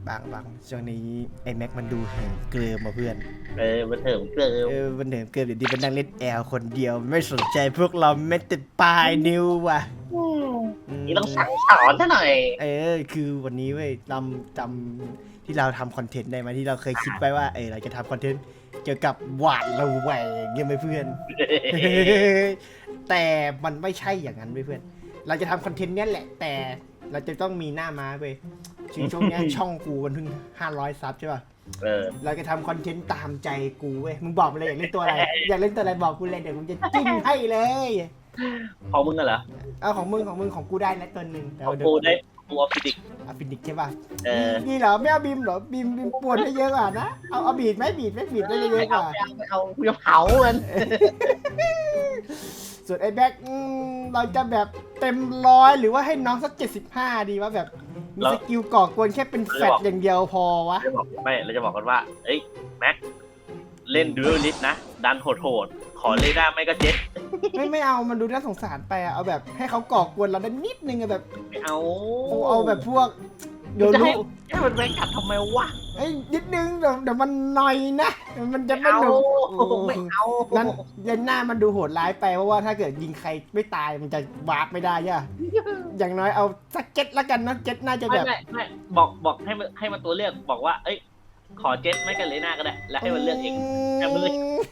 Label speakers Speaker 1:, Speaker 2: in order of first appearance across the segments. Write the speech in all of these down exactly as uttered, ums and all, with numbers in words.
Speaker 1: บางบางช่วงนี้ไอ้แม็กมันดูเหิมเกลิมมาเพื่อน
Speaker 2: เออมันเถิมเกิม
Speaker 1: เออมันเหิมเกลิมเดี๋ยวดีมันนั่งเล่นแอลคนเดียวไม่สนใจพวกเราแม้แต่ปลายนิ้วว่ะ
Speaker 2: นี่ต้องสั่งสอนซะหน่อย
Speaker 1: เออคือวันนี้เว้ยจำจำที่เราทำคอนเทนต์ได้ไหมที่เราเคยคิดไว้ว่าเออเราจะทำคอนเทนต์เกี่ยวกับหวาดระแวงเงี้ยไหมเพื่อน แต่มันไม่ใช่อย่างนั้นเว้ยเพื่อนเราจะทำคอนเทนต์เนี้ยแหละแต่เราจะต้องมีหน้าม้าเว้ยช่วงเนี้ย ช่องกูมันเพิ่งห้าร้อยซับใช่ป่ะ
Speaker 2: เออ
Speaker 1: เราจะทำคอนเทนต์ตามใจกูเว้ยมึงบอกมาเลยอยากเล่นตัวอะไรอยากเล่นตัวอะไรบอกกูเลยเดี๋ยวกูจะจิ้มให้เลย
Speaker 2: ของมึงอะเหรอ
Speaker 1: เอาของมึงของมึงของกูได้นะตัวหนึ่ง
Speaker 2: ของกูได้ตัวฟิสิก
Speaker 1: อะฟินิกใช่ป่ะ
Speaker 2: เออ
Speaker 1: นี่เหรอไม่เอาบีมเหรอบีมบีมปวดได้เยอะกว่านะเอาเอาบีดไหมบีดไหมบีดได้เย
Speaker 2: ไม่
Speaker 1: อะก
Speaker 2: เอา
Speaker 1: ว่า
Speaker 2: ไม่เอาไม่เอากูจะเผามัน
Speaker 1: ส่วนไอ้แบ็คเราจะแบบเต็มร้อยหรือว่าให้น้องสักเจ็ดสิบห้าดีวะแบบมีสกิลก่อกวนแค่เป็นแฟตอย่างเดียวพอวะ
Speaker 2: จะบอกไม่เราจะบอกกันว่าเอ้ยแม็กเล่นดูเอลลิสนะดันโหดๆขอเลด้าไม่ก็เจ็ต
Speaker 1: ไม่ไม่เอามันดูน่าสงสารไปอะเอาแบบให้เขาก่อกวนเราได้นิดนึงอะแบบ
Speaker 2: ไม่เอา
Speaker 1: เอาเอาแบบพวกโย
Speaker 2: จะ
Speaker 1: รุ
Speaker 2: ให้ให้มันแม่งกัดทำไมวะ
Speaker 1: ไอ้ยนิดนึงเดี๋ยวเดี๋ยวมันหน่อยนะเดี๋ยวมันจะไม่
Speaker 2: เอา
Speaker 1: หนุก
Speaker 2: ไม่เอา
Speaker 1: นั้นเลนหน้ามันดูโหดร้ายไปเพราะว่าถ้าเกิดยิงใครไม่ตายมันจะวาร์ปไม่ได้ย่ะอย่างน้อยเอาสักเจ็ตละกันนะเจ็ตน่าจะ
Speaker 2: ไม่
Speaker 1: แบบ
Speaker 2: ไม่ไม่บอกบอกให้มันให้มันตัวเลือกบอกว่า เอ้ยขอเจ็ตไม่กันเลน่าก็ได้แล้วให้มันเลือกเอง แต่มึง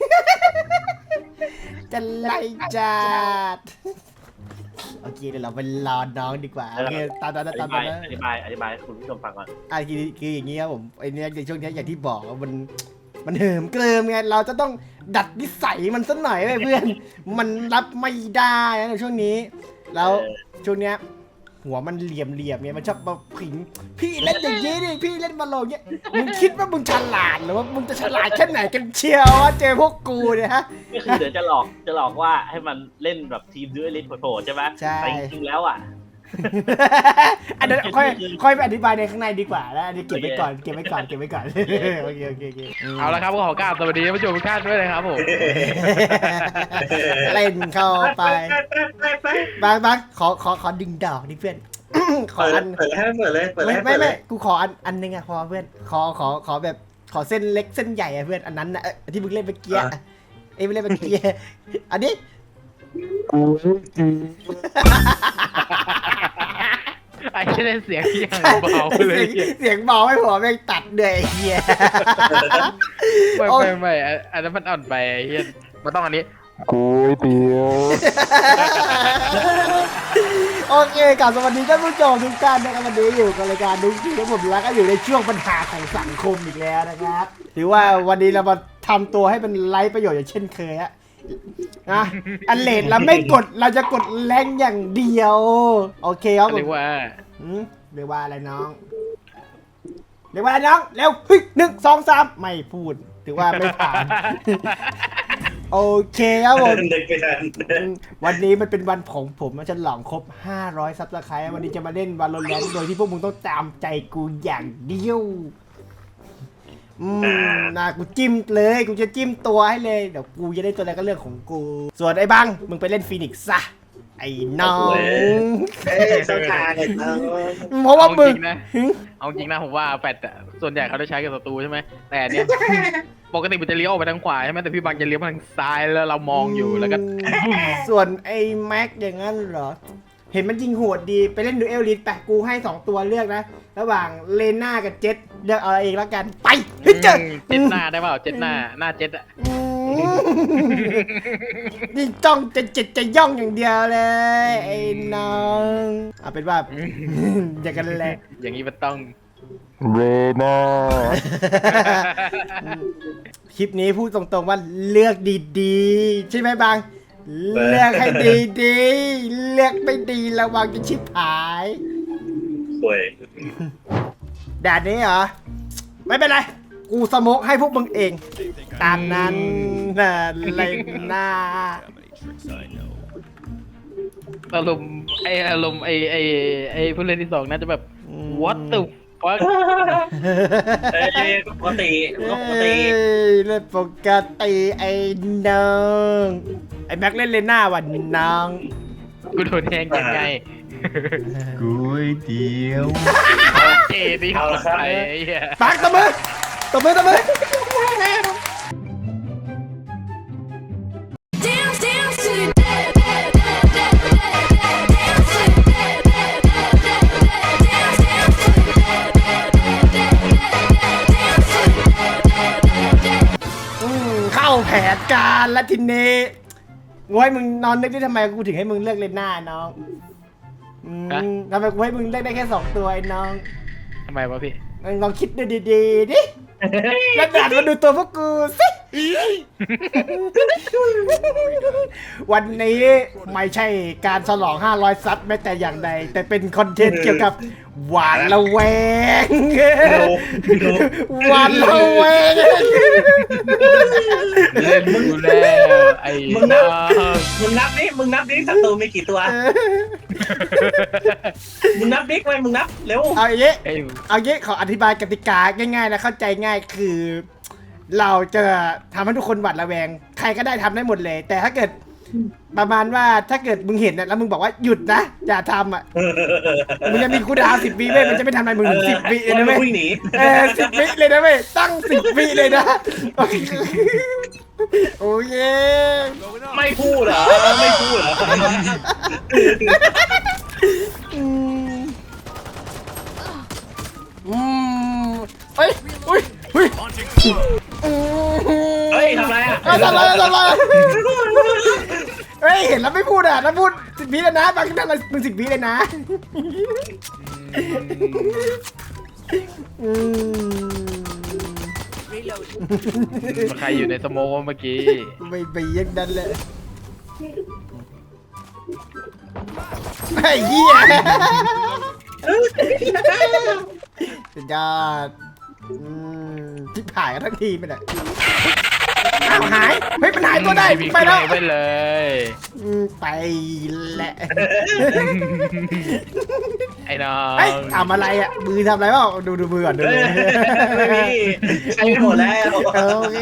Speaker 1: จะไล่จัดโอเคเดี๋ยวเราไปรอน้องดีกว่าโอเคตามนั้น
Speaker 2: อ
Speaker 1: ตาม
Speaker 2: ธิบา
Speaker 1: นั้
Speaker 2: ย
Speaker 1: น
Speaker 2: อธิบายอธิบายให้คุณผู้ชมฟังก่อน
Speaker 1: อ่ะคือคืออย่างนี้ครับผมไอเนี้ยในช่วงเนี้ยอย่างที่บอกว่ามันมันเหิมเกริมไงเราจะต้องดัดนิสัยมันสักหน่อยเว้ยเพื่อน มันรับไม่ได้นะในช่วงนี้ แล้วช่วงเนี้ยหัวมันเหลี่ยมเหลี่ยมๆเนี่ยมันชอบมาผิงพี่เล่นอย่างนี้ดิพี่เล่นบอลโลงเนี่ยมึงคิดว่ามึงฉลาดหรือว่ามึงจะฉลาดแค่ไหนกันเชียววะเจอพวกกูเนี่ยฮะ
Speaker 2: ก็คือเดี๋ยวจะหลอกจะหลอกว่าให้มันเล่นแบบทีมดูเอลิสโผล่ๆใช่ไหม
Speaker 1: ใช่
Speaker 2: แต่จริงๆแล้วอ่ะ
Speaker 1: อันนั้นค่อยค่อยไปอธิบายในข้างในดีกว่านะอันนี้เก็บไว้ก่อนเก็บไว้ก่อนเก็บไว้ก่อนโอเคโอเคโอเค
Speaker 3: เอาละครับก็ขอกราบสวัสดีท่านผู้ชมทุกท่านด้วยนะครับผม
Speaker 1: เล่นเข้าไปบางบางขอขอขอดึงดอกนี่เพื่อน ขอ
Speaker 4: เปิด
Speaker 1: อัน
Speaker 4: เปิดให้เปิดเลยเปิด
Speaker 1: ไม่
Speaker 4: ให้
Speaker 1: ไม่
Speaker 4: เปิดเล
Speaker 1: ไม่
Speaker 4: ย
Speaker 1: กูขออันอันนึงอะพอเพื่อนขอขอขอแบบขอเส้นเล็กเส้นใหญ่อะเพื่อนอันนั้นนะเอ้ยที่มึงเล่นเมื่อกี้อะเอ้ยมึงเล่นเมื่อกี้อันนี้
Speaker 3: ไอ้ที่ได้เสียงอย่างเบาเลย
Speaker 1: เสียงเสียงเบาไม่พอแม่งตัดเลยไอ้เฮีย
Speaker 3: ไม่
Speaker 1: โอ้ย
Speaker 3: ไม่ไม่อันอันนั้นมันอ่อนไปไอ้เฮียมันต้องอันนี้
Speaker 5: ก๋วยเตี๋ยว
Speaker 1: โอเคกลับสวัสดีท่านผู้ชมทุกท่านนะครับวันนี้อยู่กับรายการดุ๊กที่ทั้งผมแล้วก็อยู่ในช่วงปัญหาของสังคมอีกแล้วนะครับถือว่าวันนี้เรามาทำตัวให้เป็นไร้ประโยชน์อย่างเช่นเคยอะนะอันเลดเราไม่กดเราจะกดแรงอย่างเดียวโอเคครับผม
Speaker 3: เรียกว่า
Speaker 1: หืมเรียกว่าอะไรน้องเรียกว่าอะไรน้องเร็วเฮ้ยหนึ่งสองสามไม่พูดถือว่าไม่ผ่าน โอเคครับผม
Speaker 4: เด็กไปทัน
Speaker 1: วันนี้มันเป็นวันของผมมันจะหลองครบห้าร้อยซับสไครต์วันนี้จะมาเล่นวาโลแรนต์โดยที่พวกมึงต้องตามใจกูอย่างเดียวอืมนะกูจิ้มเลยกูจะจิ้มตัวให้เลยเดี๋ยวกูจะได้ตัวอะไรก็เรื่องของกู ส่วนไอ้บังมึงไปเล่นฟีนิกซ์ซะไอ้น้อง
Speaker 4: เอ้ยเข้าทางเลยเออ
Speaker 1: เพราะว่า
Speaker 3: เอา
Speaker 1: มึ
Speaker 3: จ
Speaker 1: ง
Speaker 3: ริงนะเอาจริงนะผมว่าแฟดอะส่วนใหญ่เขาจะใช้กับศัตรูใช่ไหมแต่อันเนี้ยปกติมันจะเลี้ยวออกไปทางขวาใช่ไหมแต่พี่บางจะเลี้ยวมาทางซ้ายแล้วเรามองอยู่แล้วก็
Speaker 1: ส่วนไอ้แม็กอย่างนั้นเหรอเห็นมันยิงโหดดีไปเล่นดูเอลลิสไปกูให้สองตัวเลือกนะระหว่างเลน่ากับเจ็ตเลือกเอาเองแล้วกันไปเฮ้ยเจอ
Speaker 3: เจ็ดหน้าได้เปล่าเจ็ดหน้าหน้าเจ็ดอะ
Speaker 1: อืมนี่จ้องจะเจ็ดจะย่องอย่างเดียวเลยไอ้น้องเอาเป็นว่า อย่างกันแหละ
Speaker 3: อย่างนี้มันต้อง
Speaker 5: เรน่า
Speaker 1: คลิปนี้พูดตรงๆว่าเลือกดีๆใช่ไหมบางเลือกให้ดีๆเลือกไม่ดีระวังจะชิบหาย
Speaker 4: สวย
Speaker 1: แดดนี้เหรอไม่เป็นไรกูสโมกให้พวกมึงเองตามนั้นนะเลยนะ
Speaker 3: อารมณ์ไออารมณ์ไอไอไอผู้เล่นที่สองน่าจะแบบ what the fuck
Speaker 4: เอ้ยปกติปกติ
Speaker 1: เอ้ยเล่นปกติไอ้น้องไอ้แม็กเล่นเลน่าวันน้อง
Speaker 3: กูโดนแทงยังไง
Speaker 6: ก๋วยเตี๋ยว
Speaker 3: เจนี่คนไทยไอ้เหี้ย
Speaker 1: ปักตบมือตบมือตบมือ
Speaker 7: Dance, dance to the dead, dead, dead, dead, dead, dead, dance to the dead, dead, dead, dead, dead, dance, dance to the dead, dead, dead, dead, dead, dance to the dead, dead, dead, dead.
Speaker 1: อืมเข้าแผนการแล้วทีนี้งวยมึงนอนนึกได้ทำไมกูถึงให้มึงเลือกเลนหน้าน้องอืมทำไมกูให้มึงเลือกได้แค่สองตัวไอ้น้อง
Speaker 3: ทำไมวะพี่
Speaker 1: มึงลองคิดดูดีๆดิแล้วดันมาดูตัวพวกกูสิ วันนี้ไม่ใช่การฉลองห้าร้อยซับแม้แต่อย่างใดแต่เป็นคอนเทนต์เกี่ยวกับหวานละแวงหวานละแวง
Speaker 3: เล่นดูแล้วไอ้
Speaker 4: มึงนั
Speaker 3: น้
Speaker 4: บ
Speaker 3: อง
Speaker 4: มึงนับดิมึงนับดิศัตรูมีกี่ตัว มึงนับดิไว้มึงนับเร็ว
Speaker 1: เอาอย่างนี้
Speaker 3: ไอ้
Speaker 1: เอางี้ขออธิบายกติกาง่ายๆและเข้าใจง่ายคือ เราจะทำให้ทุกคนหวาดระแวง ใครก็ได้ทำได้หมดเลย แต่ถ้าเกิดประมาณว่าถ้าเกิดมึงเห็นน่ะแล้วมึงบอกว่าหยุดนะอย่าทำอ่ะมึงจะมีคูลดาวน์สิบวิเว้ยมันจะไม่ทำอะไรมึงถึงสิบวิเลยนะเว้ย
Speaker 4: วิ่งหนี
Speaker 1: เออสิบวิเลยนะเว้ยตั้งสิบวิเลยนะโอเคโอเค
Speaker 4: ไม่พูดเหรอไม่พูดเหรอ
Speaker 1: อืมอืมเฮ้ยเฮ้ยเฮ้ยอืม
Speaker 4: เฮ้ยทำไรอ่ะ
Speaker 1: เอ้ยทำอะไรทำอะไรเฮ้ยเห็นแล้วไม่พูดอ่ะถ้าพูดสิบวิเลยนะบางทีนั่นเรามึงสิบวิเลยนะอืม
Speaker 3: ใครอยู่ในสโมกเมื่อกี้
Speaker 1: ไม่ไปเย็นดันเลยไอ้เหี้ยสุดยอดอืมที่ผ่ายกันทั้งทีมไปเลยอ้าวหายเฮ้ยมันหายตัวได้
Speaker 3: มี
Speaker 1: ไปแล้ว
Speaker 3: ไปเลย
Speaker 1: อืมไปแหละ
Speaker 3: ไอ้น้อง
Speaker 1: เฮ้ยทำอะไรอ่ะมือทำอะไรเปล่าดูดูมือก่อนดู
Speaker 4: เฮ้
Speaker 1: เลย
Speaker 4: ไม่มีใช้ไปหมดแล้ว
Speaker 1: โอเค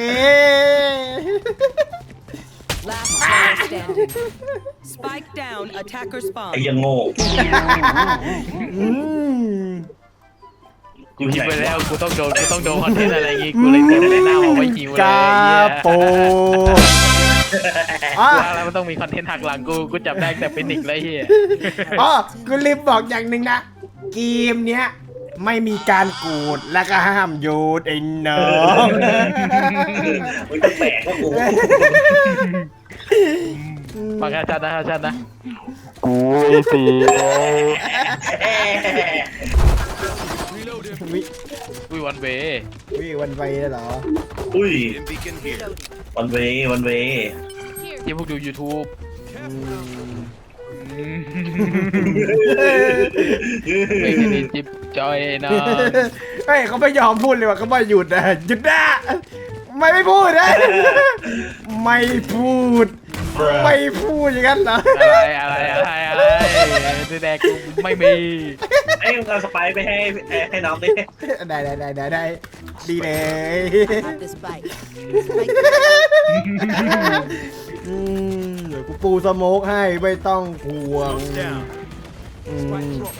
Speaker 8: Last player standing. Spike down. Attacker
Speaker 4: ไอ้
Speaker 8: spawn.
Speaker 4: ยังโง่
Speaker 1: อืม
Speaker 3: กูคิดไปแล้วกูต้องโดนกูต้องโดนคอนเทนต์อะไรอย่างงี้กูเลยเตรียมในหน้ามาไว้หิวเลย
Speaker 1: กาโปอ๋อ
Speaker 3: ว่าแล้วมันต้องมีคอนเทนต์หักหลังกูกูจับได้แต่เป็นนิกเลยเฮีย
Speaker 1: อ๋อกูลืมบอกอย่างหนึ่งนะเกมเนี้ยไม่มีการกูดและก็ห้ามโยนไอ้น้อง
Speaker 4: มันจะแปลกก็กู
Speaker 3: ฟังอาจารย์นะอาจารย์นะ
Speaker 5: ก๋วยเตี๋ยว
Speaker 1: วิ
Speaker 3: อุ้ยวันเว
Speaker 1: วิวันไปเหรอ
Speaker 4: อุ้ยวันเววันเว
Speaker 3: ที่พวกดู YouTube ไม่ได้จิบจอยเนาะ
Speaker 1: เฮ้ยเขาไม่ยอมพูดเลยว่ะเขาไม่หยุดนะหยุดนะไม่ไม่พูดนะไม่พูด ไม่พูดอย่างนั้นเหรอ
Speaker 3: อะไรอะไรอะไรอะไรแดกกูไม่มี
Speaker 4: ไอ้มึงเอาสไปร์ไปให้ให้น้องดิ
Speaker 1: ได้ได้ได้ได้ได้ดีเลย
Speaker 8: Have the spike.
Speaker 1: อืมเดี๋ยวกูปูสโมกให้ไม่ต้องห่วงอืม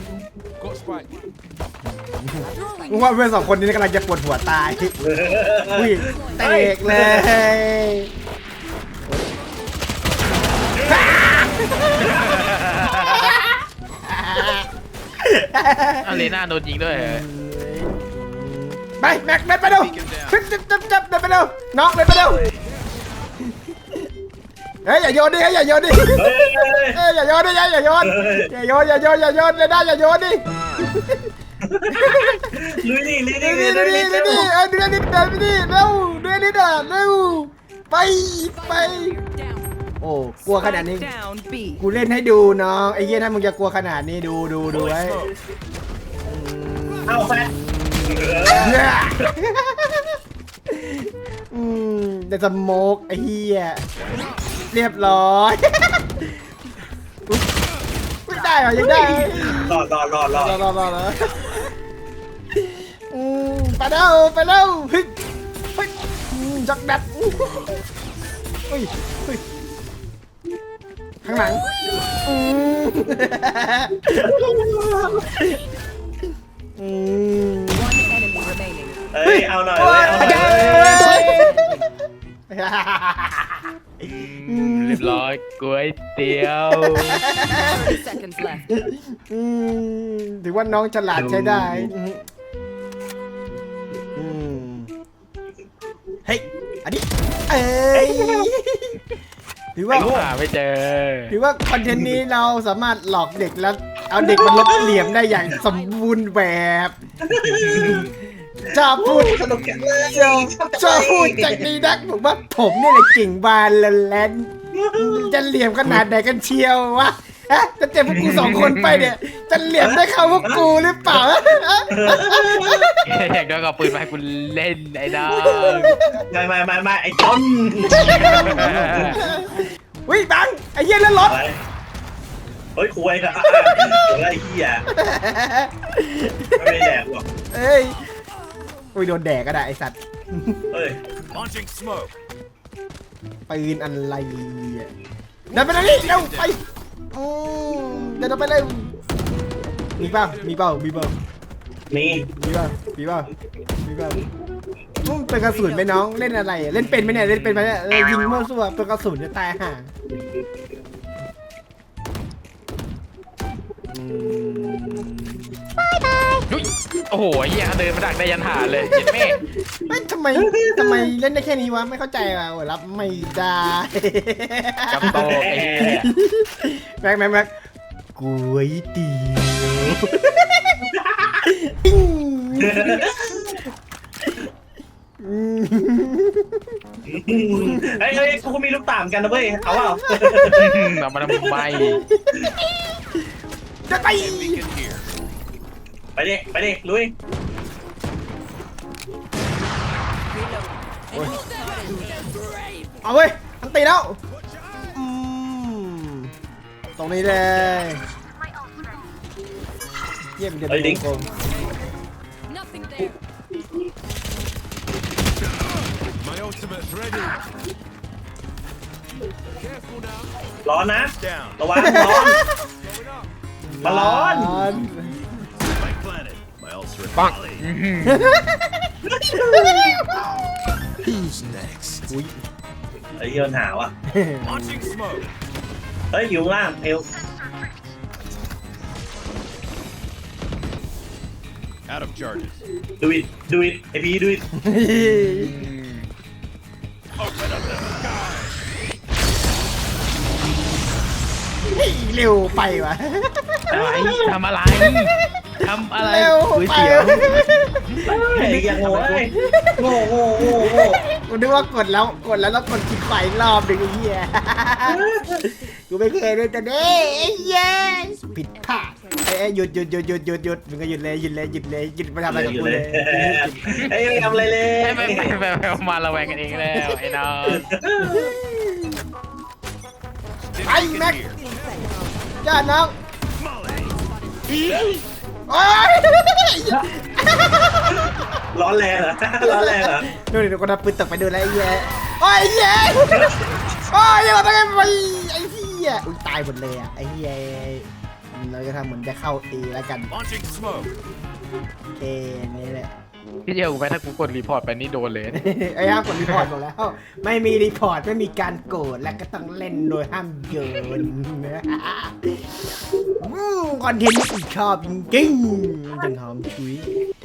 Speaker 1: มึงว่าเพื่อนสองคนนี้กำลังจะปวดหัวตายอุ้ยเตกเลย
Speaker 3: อารีนาโดนยิงด้วยเหรอ
Speaker 1: ไปแม็กเดินไปเร็วจับจับจับจับเดินไปเร็วน้องเดินไปเร็วเฮ้ยอย่าโยนดิเฮ้ยอย่าโยนดิเฮ้ยอย่าโยนดิอย่าโยนอย่าโยนอย่าโยนอย่าโยนเลยนะอย่าโยนดิ
Speaker 4: ลุยดิลุยดิ
Speaker 1: เดิน
Speaker 4: ลุ
Speaker 1: ดิ
Speaker 4: ย
Speaker 1: เดิน
Speaker 4: ดิ
Speaker 1: ดิเออเดินดิเดินไปดิเร็วเดินดิเดินเร็วไปไป
Speaker 8: Down.
Speaker 1: โอ้กลัวขนาดนี้
Speaker 8: Spike down. B.
Speaker 1: กูเล่นให้ดูน้องไอ้เหี้ยถ้ามึงจะกลัวขนาดนี้ดูดูดูไว้
Speaker 4: เอาแฟน
Speaker 1: อืมเดสโมกไอ้เหี้ยเรียบร้อย ไม่ได้เหรอยังได้
Speaker 4: รอดรอดรอดรอด
Speaker 1: รอรอรอรออืมไปแล้วไปแล้วเฮ้ยเฮ้ยอืมจักดัดเฮ้ยเฮ้ยใครข้างหลังอืมอืม
Speaker 8: One enemy remaining.
Speaker 4: เอ้ยเอาหน่อยเว้ยเอาหน่อยเว้ย
Speaker 3: เรียบร้อยก๋วยเตี๋ยว
Speaker 8: thirty seconds left.
Speaker 1: อืมถือว่าน้องฉลาดใช้ได้อืมเฮ้ยอันนี้เอ้ยถือว่า
Speaker 3: หาไม่เจอ
Speaker 1: ถือว่าคอนเทนต์นี้เราสามารถหลอกเด็กแล้วเอาเด็กมาลบเหลี่ยมได้อย่างสมบูรณ์แบบชอบพูด
Speaker 4: สนุกจังเลย
Speaker 1: ชอบชอบพูดจากนี้นักผมว่าผมนี่แหละเก่งบานแลนจะเหลี่ยมขนาดไหนกันเชียววะฮะจะเจ็บพวกกูสองคนไปเนี่ยจะเหลี่ยมได้เข้าพวกกูหรือเปล่า
Speaker 3: อยากได้กับปืนมาให้กูเล่นไอ้ดาว
Speaker 4: ไม่ไม่ไม่ไม่ไอ้ต้น
Speaker 1: วิบังไอ้เหี้ยแล้วรถ
Speaker 4: อะไรเฮ้ยคุยนะอ่ะอะไรเหี้ยไม่ได้แดกหรอก
Speaker 1: เอ้ยอุ้ยโดนแดกก็ได้ไอสัตว์
Speaker 4: เฮ้ย
Speaker 1: ปืนอะไรอ่ะเดินไปเลยเร็วไปอืมเดินไปเลยมีเปล่ามีเปล่ามีเปล่า
Speaker 4: นี่
Speaker 1: มีเปล่ามีเปล่ามีเปล่าอืมเป็นกระสุนไหมน้องเล่นอะไรอ่ะเล่นเป็นไหมเนี่ยเล่นเป็นไหมเนี่ยเออยิงมั่วซั่วเป็นกระสุนจะตายห่าอืม
Speaker 3: อุ๊ยโอ้โหไอ้เหี้ยเดินมาดักได้ยันหาเลยเจ็บแม่
Speaker 1: เฮ้ยทำไมทำไมเล่นได้แค่นี้วะไม่เข้าใจว่ะโอ้ยรับไม่ได้
Speaker 3: กับโตกไอ้เหี้ย
Speaker 1: แม็กแม็กแม็กก๋วยเตี๋ยวปิ้งอืม
Speaker 4: เฮ้ยเฮ้ยกูมีลูกตามกันนะเว้ยเอาเปล่า
Speaker 3: เอามาทำไม
Speaker 1: จะไป
Speaker 4: ไปดิไปดิลุย
Speaker 1: เอาเว้ยอันตีแล้วอืมตรงนี้เลยเยี่ยมเดี๋ยวเป็นวงกลม
Speaker 8: Nothing there.
Speaker 4: ร้อนนะระวังร้อนมาร้อน
Speaker 3: ปัง
Speaker 1: อุ้ย
Speaker 4: ไอ้เหี้ยมันหาวอ่ะเฮ้ยอยู่ข้างล่างเอว
Speaker 6: Out of charges.
Speaker 4: ดูอิดดูอิดไอพีดูอิด
Speaker 1: เร็วไปวะ
Speaker 3: อะไรทำอะไรทำอะไร
Speaker 1: เร็ว
Speaker 3: ก๋วย
Speaker 1: ไป
Speaker 3: เตี๋ยว
Speaker 4: ไอ้ยังโง่เอ้ยโง่โง่โง่โง่
Speaker 1: กูนึกว่ากดแล้วกดแล้วแล้วกดคลิกไปรอบหนึ่งไอ้เหี้ยกูไม่เคยเลยแต่เด้ไอ้เหี้ยผิดพลาดเอ้ยหยุดหยุดหยุดหยุดหยุดหยุดมึงก็หยุดเลยหยุดเลยหยุดเลยหยุดมาทำอะไรกับ
Speaker 4: อยู่
Speaker 1: กู
Speaker 4: เล
Speaker 1: เลย ย
Speaker 4: ไอ้ไม่ทำอะไรเลย
Speaker 3: ไปไปไปไปมาระแวงกันเองแล้วไอ้น้อง
Speaker 1: ไปแม็กจ้าน้องโอ๊ย
Speaker 4: ร้อนแรงเหรอร้อนแรงเหรอ
Speaker 1: ดูดิดูคนเอาปืนตกไปดูแล้วไอ้เหี้ยโอ้ยไอ้เหี้ยโอ้ยยังไงไปไอ้เหี้ยอุ้ยตายหมดเลยอ่ะไอ้เหี้ยเราจะทำเหมือนจะเข้าเอแล้วกัน
Speaker 6: Launching smoke.
Speaker 1: เอนี่แหละ
Speaker 3: พี่เจียวกูไปถ้ากูกดรีพอร์ตไปนี่โดนเลย
Speaker 1: ไอ้ห้ามกดรีพอร์ตหมดแล้ว ไม่มีรีพอร์ตไม่มีการโกรธและก็ต้องเล่นโดยห้ามโยนนะอืมคอนเทนต์ที่กูชอบจริงๆจังหอมชุย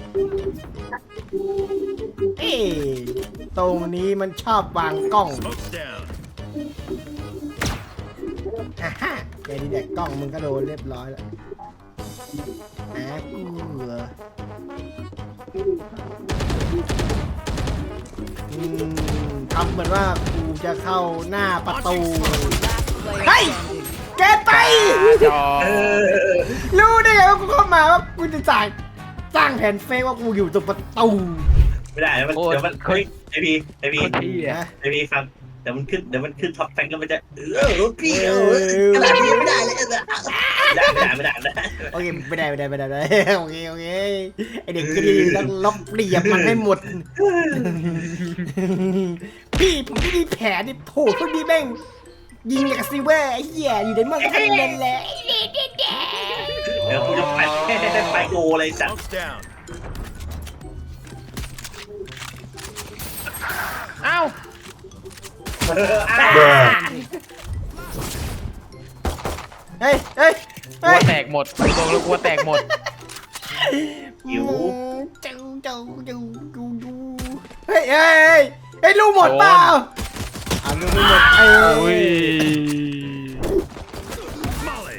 Speaker 1: เอ๊ะตรงนี้มันชอบวางกล้อง
Speaker 6: Smoke's down.
Speaker 1: อ่ะฮะเดี๋ยวนี้แดกกล้องมึงก็โดนเรียบร้อยแล้วอ่ะกูเหรออืมทำเหมือนว่ากูจะเข้าหน้าประตู
Speaker 8: Player
Speaker 1: Hey!
Speaker 8: standing.
Speaker 1: แกไป
Speaker 3: จอ
Speaker 4: เออ
Speaker 1: รู้ได้ไงว่ากูเข้ามาว่ากูจะจ่ายสร้างแผนเฟกว่ากูอยู่ตรงประตู
Speaker 4: ไม่ได้เดี๋ยวมันเดี๋ยวมันเฮ้ยไอพีไอพี
Speaker 3: คนที่อ่ะ
Speaker 1: นะ
Speaker 4: ไอพีฟังเดี๋ยวมันขึ้นเดี๋ยวมันขึ้นท็อปแฟงก็มันจะเออรถพี่เออกระดาษพี่ไม่ได้เลยไม่ได้ไม่ได้ไม่ได้ไม่ได้
Speaker 1: โอเคไม่ได้ไม่ได้ไม่ได้ไม่ได้โอเคโอเคไอเด็กก็ดีต้องลบเหลี่ยมมันให้หมด พี่ผมไม่มีแผลนี่โผล่พวกนี้แม่งยิงอย่างกับซิเวอร์ไอ้เหี้ยอยู่ในเมืองทั้งนั้นแหละ
Speaker 4: เดี๋ยวกูจะไปไปโกเลยสัตว์
Speaker 6: Smoke's down.
Speaker 3: เอ้า
Speaker 1: เฮ้ยเฮ้ย
Speaker 3: กลั
Speaker 1: เฮ้
Speaker 3: วย แตกหมดตรงแล้วกลัวแตกหมด
Speaker 4: หิว
Speaker 1: เจ้าเจ้าเจ้าดูดูเฮ้ยเฮ้ยเฮ้ยเฮ้ยลูกหมดเปล่าอ่าลูกไม่หมดเอ้
Speaker 3: โอ้ย
Speaker 1: ย
Speaker 6: Molly.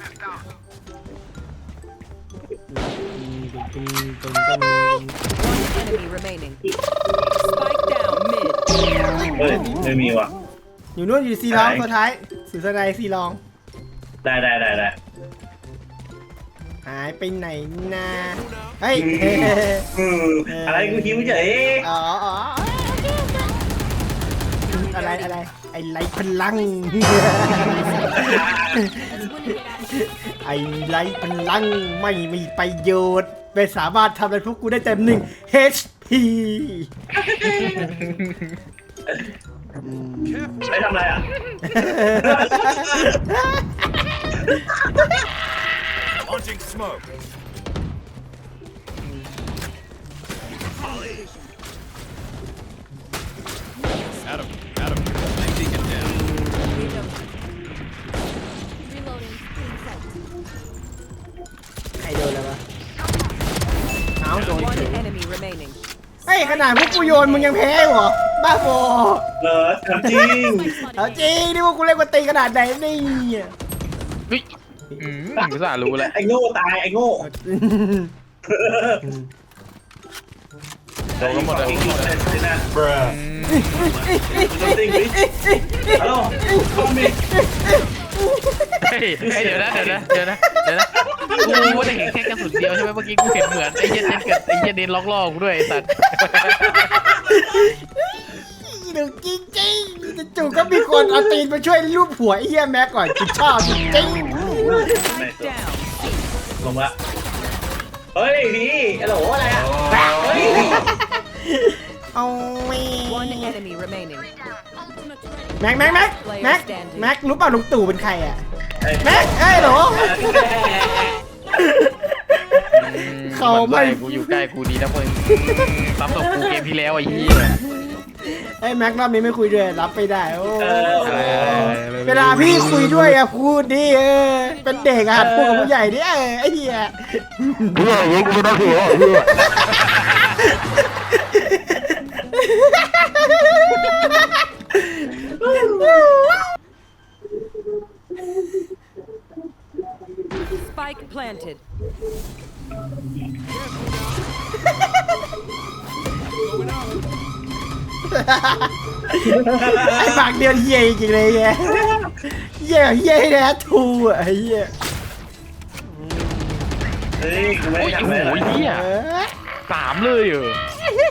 Speaker 8: One enemy remaining. Spike down mid.
Speaker 4: เฮ้ยไม่มีว่ะ
Speaker 1: อยู่นู่นอยู่ซีรองตัวท้ายสุดสนายซีรอง
Speaker 4: ได้ได้ได้ได้
Speaker 1: หายไปไหนนะเฮ้ย
Speaker 4: อืมอะไรกูหิวเฉย
Speaker 1: อ๋ออ๋ออะไรอะไรไอ้ไรพลัง ไอ้ไรพลังไม่มีประโยชน์ไม่สามารถทำอะไรพวกกูได้เต็มหนึ่ง เอช พี
Speaker 4: ไปทำอะไรอ่ะ
Speaker 6: Launching smoke. Adam, Adam, taking down.
Speaker 7: Reloading.
Speaker 1: ใครโดนแล้ววะเอาโดน
Speaker 8: One enemy remaining.
Speaker 1: เฮ้ยขนาดพวกกูโยนมึงยังแพ้เหรอบ้าบอ
Speaker 4: เออทำจริง
Speaker 1: เอาจริงนี่พวกกูเล่นกวนตีขนาดไหนนี่
Speaker 3: เฮ้ยอืมอุตส่าห์รู้แล้ว
Speaker 4: ไอ้โง่ตายไอ้โง่
Speaker 3: โดนก็หมดเลย
Speaker 4: หมดเลยนะ
Speaker 5: Bruh.
Speaker 4: จริงฮัลโหลคอมมิ
Speaker 3: เฮ้ยเฮ้ยเดี๋ยวนะเดี๋ยวนะเดี๋ยวนะเดี๋ยวนะกูว่าจะเห็นแค่กระสุนเดียวใช่ไหมเมื่อกี้กูเห็นเหมือนไอ้เหี้ยเน้นกับไอ้เหี้ยเน้นล็อกล่อกูด้วยไอ้สัตว์
Speaker 1: หนูจริงจริงๆจู่ๆก็มีคนเอาตีนมาช่วยรูปหัวไอ้เหี้ยแม็กก่อนกูชอบจริง
Speaker 4: ไม่ตัว
Speaker 8: Down.
Speaker 4: ลงละเฮ้ยพี่ฮัลโหลอะไรอ่ะเฮ้ย
Speaker 1: ๆเอาไม่
Speaker 8: One enemy remaining.
Speaker 1: แม็กแม็กแม็กแม็กแม็กรู้เปล่าลุงตู่เป็นใครอ่ะแม็กเอ้ยเหรอ เขาไม่
Speaker 3: กูอยู่ใกล้กูดีนะมึงซ้ำตบกูเกมที่แล้วไอ้เหี้ย
Speaker 1: ไอ้แม็กรอบนี้ไม่คุยด้วยรับไม่ได้โอ้
Speaker 3: อะไรอะไร
Speaker 1: เวลาพี่คุยด้วยอะพูดดิเออเป็นเด็กอะหัดพูดกับผู้ใหญ่ดิเออไอ้เหี้ย
Speaker 5: เฮียอย่างงี้กูไม่ต้องเสียเฮีย
Speaker 8: Spike planted.
Speaker 1: ไอ้ปากเดียวเหี้ยจริงๆเลยเหี้ยเหี้ยเหี้ยนะทูอะไอ้เหี้ย
Speaker 4: เฮ้ยกูไม่
Speaker 3: โอ้
Speaker 4: ได้
Speaker 3: ย
Speaker 4: ทำ
Speaker 3: โอ้
Speaker 4: อะไร
Speaker 3: โหเหี้ย
Speaker 1: เออ
Speaker 3: สามเลยเหรอ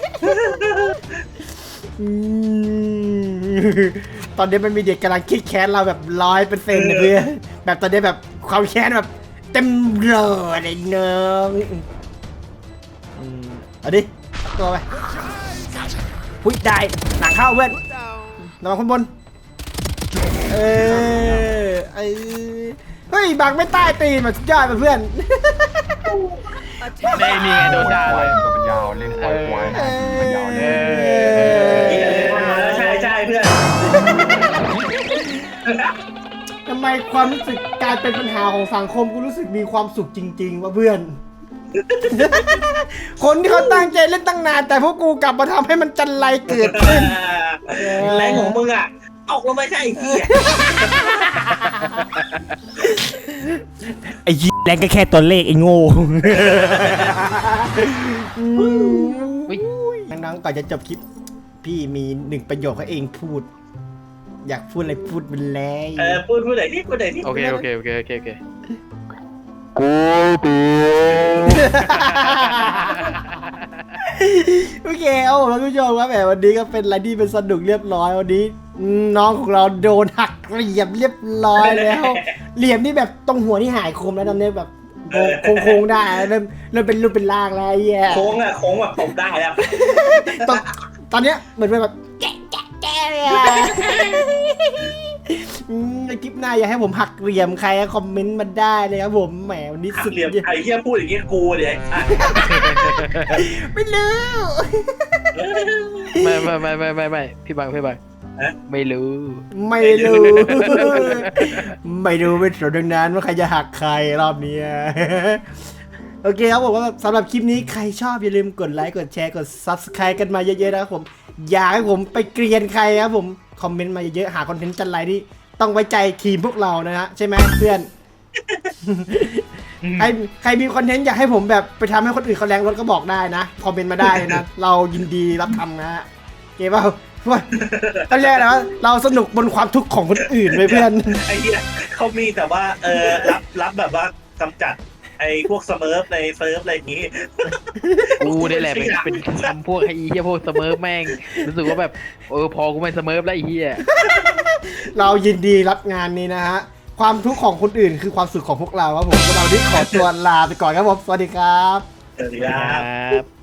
Speaker 1: อืมตอนนี้มันมีเด็กกำลังคิดแค้นเราแบบร้อยเปอร์เซ็นต์เลยเพื่อนแบบตอนนี้แบบความแค้นแบบเต็มเลยไอ้น้องอืมเอาดิเอาตัวไปหุ้ยได้หนังเข้าเพื่อนนอนข้างบนเออเออเฮ้ยบังไม่ใต้ตีนมาสุดยอดมาเพื่อน
Speaker 3: ได้นี่ไงโดนด่าเลย
Speaker 5: ตัวเป็นยาวเล่นควายควายนะเป็นยาว
Speaker 3: เอ
Speaker 5: เลย
Speaker 3: อ
Speaker 4: ใช่ใช่เพื่อน
Speaker 1: ทำไมความรู้สึกการเป็นปัญหาของสังคมกูรู้สึกมีความสุขจริงๆว่ะเพื่อน คนที่เขาตั้งใจเล่นตั้งนาน แต่พวกกูกลับมาทำให้มันจันไรเกิดขึ้น
Speaker 4: แรงของมึงอ่ะออกลงมาใช่ไอ้เหี้ย
Speaker 1: ไอ้ยี่แรงก็แค่ตัวเลขไอ้โง่น้องๆก่อนจะจบคลิป พี่มีหนึ่งประโยคให้เองพูด อยากพูดอะไรพูดไปเลย
Speaker 4: เออพูดพูดไหนที่พูดไหนที่
Speaker 3: โอเคโอเคโอเคโอเคโอเค
Speaker 5: กูตี
Speaker 1: โอเคเอาผมท่านผู้ชมว่าแบบวันนี้ก็เป็นอะไรที่เป็นสนุกเรียบร้อยวันนี้น้องของเราโดนหักเหลี่ยมเรียบร้อยแล้ว เหลี่ยมนี่แบบตรงหัวที่หายคมแล้วตอนนี้แบบโค้งโค้งๆได้เริ่มเริ่มเป็นรูปเป็นร่างแล้วไอ้เหี้ย
Speaker 4: โค้งอ่ะโค้งแบบผมได้แล้ว
Speaker 1: ตอนตอนเนี้ยเหมือนเป็นแบบแกะแกะแกะเลยอะอืมในคลิปหน้าอยากให้ผมหักเหลี่ยมใครคอมเมนต์มาได้เลยครับผมแหมวันนี้
Speaker 4: หั
Speaker 1: สุ
Speaker 4: ก
Speaker 1: ด
Speaker 4: เหลี่ยมไอ้เหี้ยพูดอย่างงี้กูเลยอ่ะ
Speaker 1: ไม่รู้
Speaker 3: ไม่ไม่ไม่ไม่ไม่ไม่พี่บังพี่บังไม่รู้
Speaker 1: ไม่รู้ ไม่รู้เป็นส่วนดังนั้นว่าใครจะหักใครรอบนี้ โอเคครับผมว่าสำหรับคลิปนี้ใครชอบอย่าลืมกดไลค์กดแชร์กด ซับสไครบ์ กันมาเยอะๆนะครับผมอยากให้ผมไปเกรียนใครครับผมคอมเมนต์มาเยอะๆหาคอนเทนต์จันไรที่ต้องไว้ใจทีมพวกเรานะฮะใช่ไหมเพื่อน ใครใครมีคอนเทนต์อยากให้ผมแบบไปทำให้คนอื่นเขาแรงรถก็บอกได้นะคอมเมนต์มาได้นะ เรายินดีรับทำนะฮะโอเคเปล่าว่าต้องเรียกนะว่าเราสนุกบนความทุกข์ของคนอื่นเลยเพื่อน
Speaker 4: ไอ้เหี้ยเขามีแต่ว่าเออรับรับแบบว่ากำจัดไอ้พวกสเมิร์ฟในเซิร์ฟอะไรอย่างงี้
Speaker 3: กูนี่แหละเป็นเป็นคำพวกไอ้เหี้ยพวกเสมอแม่งรู้สึกว่าแบบเออพอกูไม่เสมอแล้วไอ้เหี้ย
Speaker 1: เรายินดีรับงานนี้นะฮะความทุกข์ของคนอื่นคือความสุขของพวกเราครับผมพวกเราที่ขอตัวลาไปก่อนครับผมสวัสดีครับ
Speaker 4: สวัสดีครับ
Speaker 3: ครับ